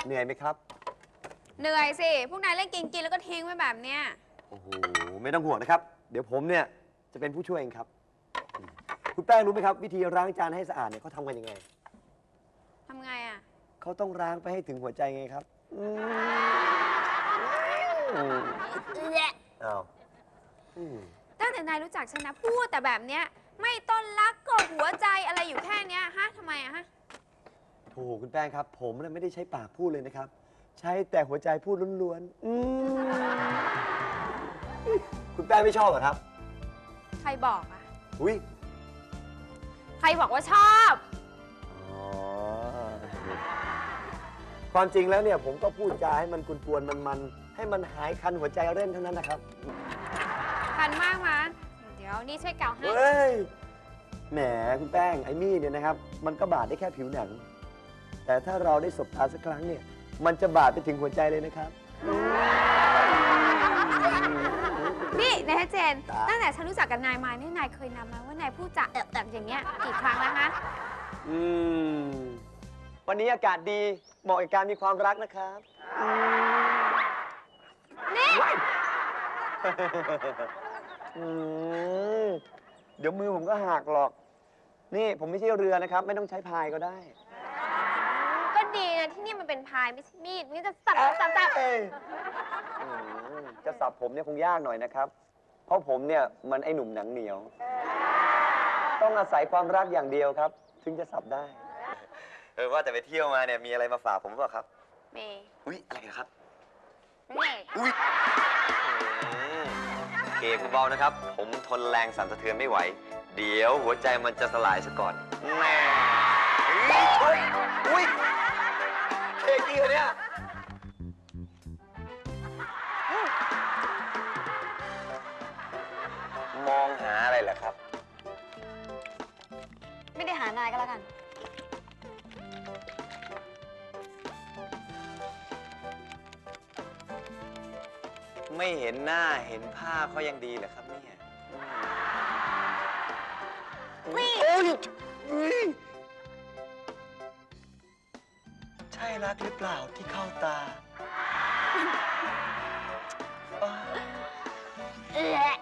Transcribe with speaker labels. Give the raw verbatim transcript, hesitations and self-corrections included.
Speaker 1: เหนื่อยไหมครับ
Speaker 2: เหนื่อยสิพวกนายเล่นกินกินแล้วก็ทิ้งไว้แบบเนี้ย
Speaker 1: โอ้โหไม่ต้องห่วงนะครับ เดี๋ยวผมเนี่ยจะเป็นผู้ช่วยเองครับคุณแป้งรู้ไหมครับ วิธีล้างจานให้สะอาดเนี่ยเขาทำกันยังไง
Speaker 2: ทำไงอ่ะ
Speaker 1: เขาต้องล้างไปให้ถึงหัวใจไงครับอ้าว
Speaker 2: ตั้งแต่นายรู้จักฉันนะพูดแต่แบบเนี้ยไม่ต้นรักก็หัวใจอะไรอยู่แค่เนี้ยฮะทำไมอะฮะ
Speaker 1: โถคุณแป้งครับ ผมน่ะไม่ได้ใช้ปากพูดเลยนะครับ ใช้แต่หัวใจพูดล้วนๆคุณแป้งไม่ชอบเหรอครับ
Speaker 2: ใครบอกอะ
Speaker 1: อุ้ย
Speaker 2: ใครบอกว่าชอบ
Speaker 1: อ๋อความจริงแล้วเนี่ยผมก็พูดจาให้มันกวนๆมันๆให้มันหายคันหัวใจเร่นเท่านั้นนะครับ
Speaker 2: คันมากมั้ยเดี๋ยวนี่ช่วยเกาให้
Speaker 1: เฮ้ยแหมคุณแป้งไอ้มี่เนี่ยนะครับมันก็บาดได้แค่ผิวหนังแต่ถ้าเราได้สบตาสักครั้งเนี่ยมันจะบาดไปถึงหัวใจเลยนะครับ
Speaker 2: นี่นายเจนตั้งแต่ฉันรู้จักกับนายมาเนี่ยนายเคยนำมาว่านายพูดจาแบบอย่างเงี้ยกี่ครั้งแล้วฮะ
Speaker 1: อืมวันนี้อากาศดีเหมาะกับการมีความรักนะครับ
Speaker 2: นี่
Speaker 1: เดี๋ยวมือผมก็หักหรอกนี่ผมไม่ใช่เรือนะครับไม่ต้องใช้พายก็ได้
Speaker 2: ก็ดีนะที่นี่มันเป็นพายไม่ใช่มีดนี่จะสับสับสับ
Speaker 1: จะสับผมเนี่ยคงยากหน่อยนะครับเพราะผมเนี่ยมันไอหนุ่มหนังเหนียวต้องอาศัยความรักอย่างเดียวครับถึงจะสับได้เออว่าแต่ไปเที่ยวมาเนี่ยมีอะไรมาฝากผมเปล่าครับ
Speaker 2: มี
Speaker 1: อุ้ยอะไรนะครับ
Speaker 2: นี่
Speaker 1: อุ้ยโอเคคุณเบานะครับผมทนแรงสั่นสะเทือนไม่ไหวเดี๋ยวหัวใจมันจะสลายซะก่อนแน่อุ้ยเค้กจริงเหรอเนี่ยมองหาอะไรเหรอครับ
Speaker 2: ไม่ได้หานายก็แล้วกัน
Speaker 1: ไม่เห็นหน้าเห็นผ้าเขายังดีเหรอครับเนี่ย
Speaker 2: นี่
Speaker 1: ใช่รักหรือเปล่าที่เข้าตา
Speaker 2: เอ๊ะ